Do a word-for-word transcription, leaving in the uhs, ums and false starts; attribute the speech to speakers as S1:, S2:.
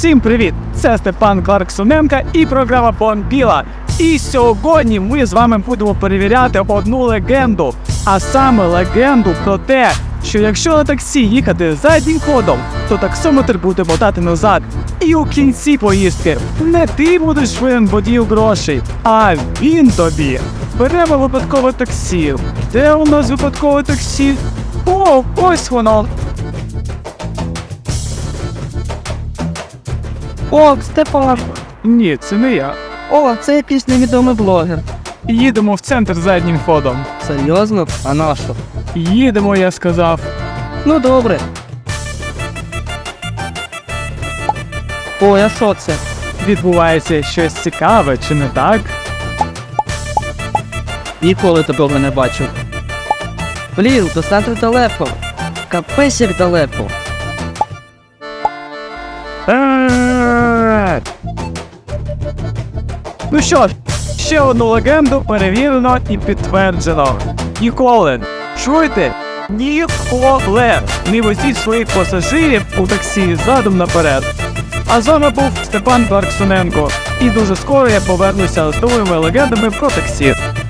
S1: Всім привіт! Це Степан Кларксоненко і програма Бомбіла. І сьогодні ми з вами будемо перевіряти одну легенду. А саме легенду про те, що якщо на таксі їхати заднім ходом, то таксометр буде мотати назад. І у кінці поїздки не ти будеш винен водію грошей, а він тобі. Беремо випадкове таксі. Де у нас випадкове таксі? О, ось воно.
S2: О, Степан!
S1: Ні, це не я.
S2: О, це якийсь невідомий блогер.
S1: Їдемо в центр заднім ходом.
S2: Серйозно? А на що?
S1: Їдемо, я сказав.
S2: Ну добре. Ой, а що це?
S1: Відбувається щось цікаве, чи не так?
S2: Ніколи такого не бачив. Блін, до центру далеко. Капець як далеко.
S1: Е-е-е. Ну що ж, ще одну легенду перевірено і підтверджено. Ніколи, чуєте? Ніколи не возіть своїх пасажирів у таксі задом наперед. А з вами був Степан Кларксоненко. І дуже скоро я повернуся з новими легендами про таксі.